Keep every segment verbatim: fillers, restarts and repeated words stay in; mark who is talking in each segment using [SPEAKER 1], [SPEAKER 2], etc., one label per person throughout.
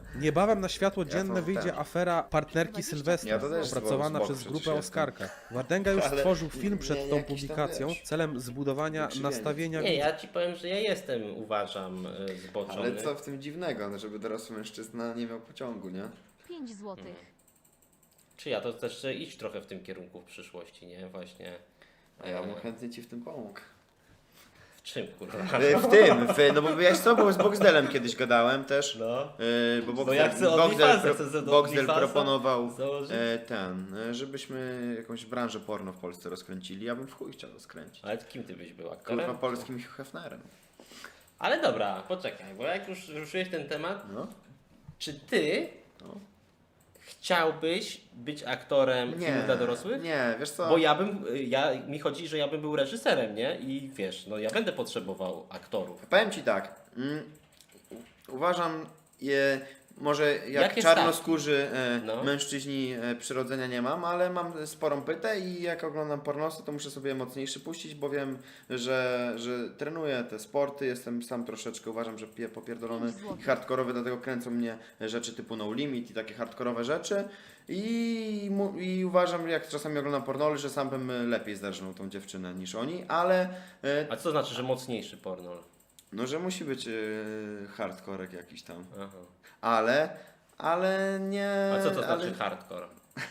[SPEAKER 1] Niebawem na światło
[SPEAKER 2] Ja
[SPEAKER 1] dzienne
[SPEAKER 2] to
[SPEAKER 1] wyjdzie
[SPEAKER 2] ten.
[SPEAKER 1] afera partnerki Sylwestra,
[SPEAKER 2] Ja to też
[SPEAKER 1] opracowana
[SPEAKER 2] z boku
[SPEAKER 1] przez
[SPEAKER 2] przecież
[SPEAKER 1] grupę
[SPEAKER 2] jestem.
[SPEAKER 1] Oskarka. Wardenga już
[SPEAKER 2] Ale
[SPEAKER 1] stworzył film
[SPEAKER 2] nie-
[SPEAKER 1] przed
[SPEAKER 2] nie
[SPEAKER 1] tą
[SPEAKER 2] jakiś tam,
[SPEAKER 1] publikacją
[SPEAKER 2] wiesz,
[SPEAKER 1] celem zbudowania
[SPEAKER 2] wykrzywienie.
[SPEAKER 1] nastawienia
[SPEAKER 3] Nie,
[SPEAKER 1] widza.
[SPEAKER 3] ja ci powiem, że ja jestem, uważam, y, zboczony.
[SPEAKER 2] Ale co w tym dziwnego, no, żeby dorosły mężczyzna nie miał pociągu, nie?
[SPEAKER 4] pięć złotych.
[SPEAKER 3] Czy ja to też chcę iść trochę w tym kierunku w przyszłości, nie? Właśnie.
[SPEAKER 2] A ja bym
[SPEAKER 3] e,
[SPEAKER 2] chętnie ci w tym pomógł.
[SPEAKER 3] W czym, kurwa?
[SPEAKER 2] E, W tym, w, no bo wiesz co, bo z Boxdelem kiedyś gadałem też.
[SPEAKER 3] No.
[SPEAKER 2] E, bo
[SPEAKER 3] Bo
[SPEAKER 2] Boxdel,
[SPEAKER 3] ja chcę
[SPEAKER 2] Boxdel,
[SPEAKER 3] OnlyFansa,
[SPEAKER 2] pro,
[SPEAKER 3] chcę sobie do
[SPEAKER 2] Boxdel
[SPEAKER 3] OnlyFansa
[SPEAKER 2] proponował
[SPEAKER 3] założyć.
[SPEAKER 2] e, ten, e, żebyśmy jakąś branżę porno w Polsce rozkręcili. Ja bym w chuj chciał to skręcić.
[SPEAKER 3] Ale kim ty byś był aktorem?
[SPEAKER 2] Kurwa polskim Hugh Hefnerem.
[SPEAKER 3] Ale dobra, poczekaj, bo jak już ruszyłeś ten temat,
[SPEAKER 2] No.
[SPEAKER 3] czy ty
[SPEAKER 2] No.
[SPEAKER 3] chciałbyś być aktorem filmu dla dorosłych?
[SPEAKER 2] Nie, wiesz co?
[SPEAKER 3] Bo ja bym, ja, mi chodzi, że ja bym był reżyserem, nie? I wiesz, no ja będę potrzebował aktorów.
[SPEAKER 2] Powiem ci tak. Mm, uważam, je, może jak
[SPEAKER 3] Jakie
[SPEAKER 2] czarnoskórzy e,
[SPEAKER 3] No.
[SPEAKER 2] mężczyźni e, przyrodzenia nie mam, ale mam sporą pytę i jak oglądam pornosy, to muszę sobie mocniejszy puścić, bo wiem, że, że trenuję te sporty, jestem sam troszeczkę, uważam, że pie- popierdolony i hardkorowy, dlatego kręcą mnie rzeczy typu No Limit i takie hardkorowe rzeczy. I, mu, I uważam, jak czasami oglądam pornoly, że sam bym lepiej zdarzył tą dziewczynę niż oni, ale e,
[SPEAKER 3] A co to znaczy, że mocniejszy pornol?
[SPEAKER 2] no, że musi być e, hardkorek jakiś tam.
[SPEAKER 3] Aha.
[SPEAKER 2] Ale, ale nie...
[SPEAKER 3] A co to
[SPEAKER 2] ale,
[SPEAKER 3] znaczy hardcore?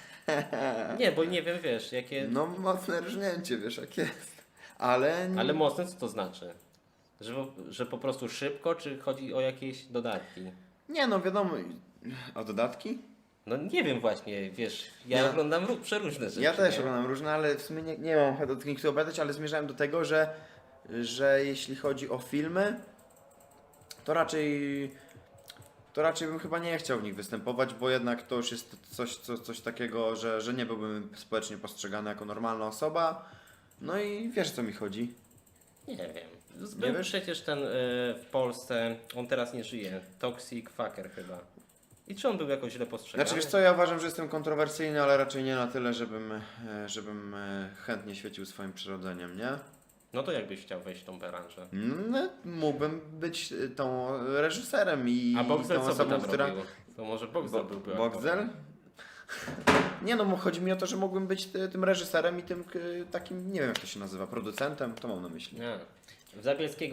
[SPEAKER 3] Nie, bo nie wiem, wiesz, jakie...
[SPEAKER 2] No mocne rżnięcie, wiesz jak jest. Ale...
[SPEAKER 3] Ale mocne co to znaczy? Że, po- że po prostu szybko, czy chodzi o jakieś dodatki?
[SPEAKER 2] Nie no, wiadomo. O dodatki?
[SPEAKER 3] No nie wiem właśnie, wiesz, ja
[SPEAKER 2] Ja-
[SPEAKER 3] oglądam ró- przeróżne rzeczy.
[SPEAKER 2] Ja też
[SPEAKER 3] nie?
[SPEAKER 2] oglądam różne, ale w sumie nie, nie mam ochoty do tych niektórych opowiadać, ale zmierzałem do tego, że, że jeśli chodzi o filmy, to raczej... To raczej bym chyba nie chciał w nich występować, bo jednak to już jest coś, co, coś takiego, że, że nie byłbym społecznie postrzegany jako normalna osoba. No i wiesz, o co mi chodzi.
[SPEAKER 3] Nie wiem. Był
[SPEAKER 2] wiesz?
[SPEAKER 3] przecież ten y, w Polsce, on teraz nie żyje, Toxic Fucker chyba. I czy on był jakoś źle postrzegany?
[SPEAKER 2] Znaczy wiesz co, ja uważam, że jestem kontrowersyjny, ale raczej nie na tyle, żebym, e, żebym e, chętnie świecił swoim przyrodzeniem, nie?
[SPEAKER 3] No to jakbyś chciał wejść w tą branżę?
[SPEAKER 2] No, mógłbym być e, tą reżyserem i
[SPEAKER 3] A Boxel
[SPEAKER 2] tą
[SPEAKER 3] co by
[SPEAKER 2] osobą,
[SPEAKER 3] tam
[SPEAKER 2] która...
[SPEAKER 3] robił? To może Boxel
[SPEAKER 2] Bo,
[SPEAKER 3] byłby
[SPEAKER 2] Boxel?
[SPEAKER 3] aktorem.
[SPEAKER 2] Nie no, mo- chodzi mi o to, że mógłbym być ty- tym reżyserem i tym k- takim, nie wiem jak to się nazywa, producentem, to mam na myśli.
[SPEAKER 3] Nie. W Zabielskiego